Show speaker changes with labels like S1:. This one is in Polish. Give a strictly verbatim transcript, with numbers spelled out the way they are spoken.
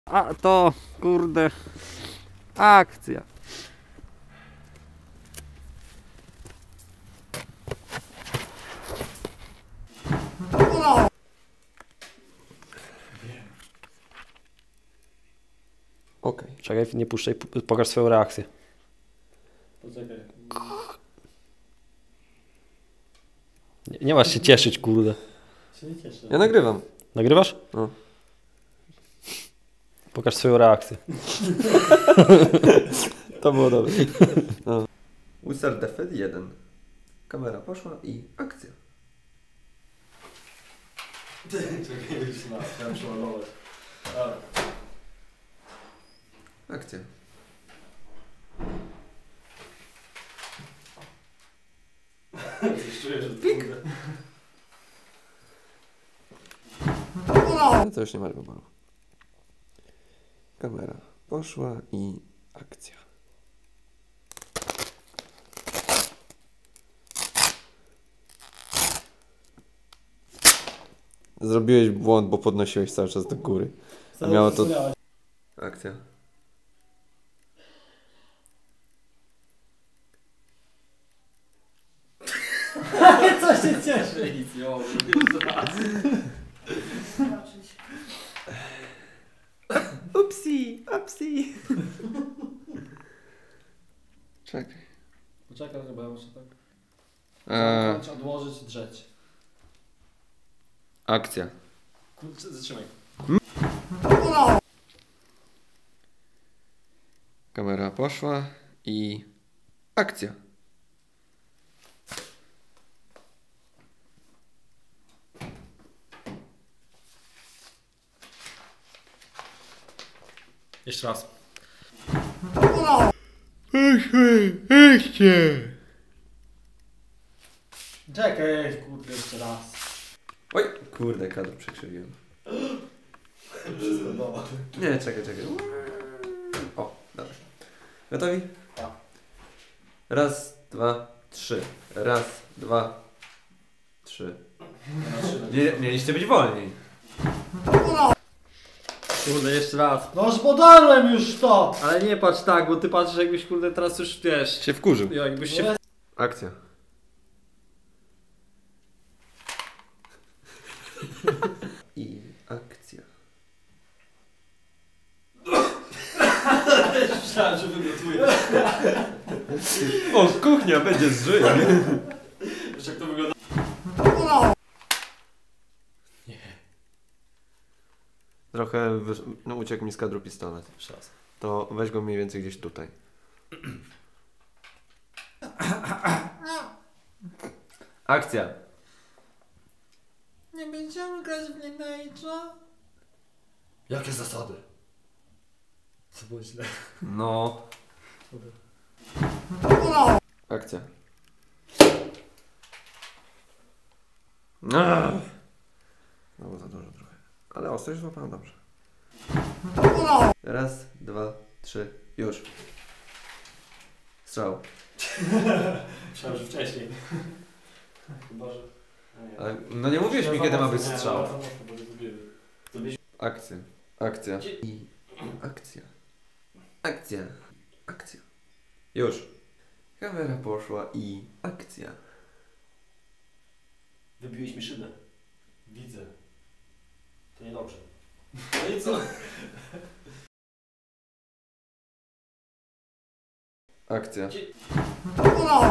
S1: A to, kurde, akcja.
S2: Okej. Okay.
S1: Czekaj, nie puszczaj, pokaż swoją reakcję.
S3: Poczekaj.
S1: Nie, nie masz się cieszyć, kurde.
S3: Się nie cieszę.
S2: Ja nagrywam.
S1: Nagrywasz?
S2: No.
S1: Pokaż swoją reakcję.
S2: To było dobre. No. Wizard Defed jeden. Kamera poszła i akcja.
S3: Czekaj, już na, chciałem przeładować.
S2: Akcja.
S3: Już czuję, że pik.
S2: No to już nie ma wyboru. Kamera poszła i akcja. Zrobiłeś błąd, bo podnosiłeś cały czas do góry. A miało to... Akcja.
S3: Co się cieszy? Nic nie mogę.
S2: Upsi, upsi. Czekaj.
S3: Poczekaj, chyba ja muszę tak.
S2: Eee,
S3: Trzeba odłożyć, drzeć.
S2: akcja.
S3: Kurczę, zatrzymaj.
S2: Kamera poszła i akcja.
S3: Jeszcze raz. Czekaj, kurde, jeszcze raz.
S2: Oj, kurde, kadr przekrzywiłem.
S3: Wszystko doма.
S2: Nie, czekaj, czekaj. O, dobra. Gotowi?
S3: Tak.
S2: Raz, dwa, trzy. Raz, dwa, trzy. Nie, mieliście być wolniej.
S1: Kurde, jeszcze raz.
S3: No już podarłem już to!
S1: Ale nie patrz tak, bo ty patrzysz jakbyś, kurde, teraz już, wiesz,
S2: Się wkurzył.
S1: jakbyś się...
S3: Nie.
S2: Akcja. I akcja.
S3: Myślałem, że wygotuję.
S2: O, kuchnia będzie zżyj.
S3: Wiesz jak to wygląda?
S2: Trochę wysz... no, uciekł mi z kadru pistolet.
S3: Jeszcze raz.
S2: To weź go mniej więcej gdzieś tutaj. Akcja.
S3: Nie będziemy grać w Lineage'a? Jakie zasady? Co było źle?
S2: No. Akcja. No, no za dużo trochę. Ale ostrość złapałem dobrze. Raz, dwa, trzy, już. Strzał.
S3: Myślałem, że wcześniej. Chyba, że...
S2: Ale, no nie mówiłeś mi, kiedy ma być strzał. Akcja. Akcja. I akcja. Akcja. Akcja. Już. Kamera poszła i akcja.
S3: Wybiłeś mi szybę. Widzę. To niedobrze. No i co?
S2: Akcja.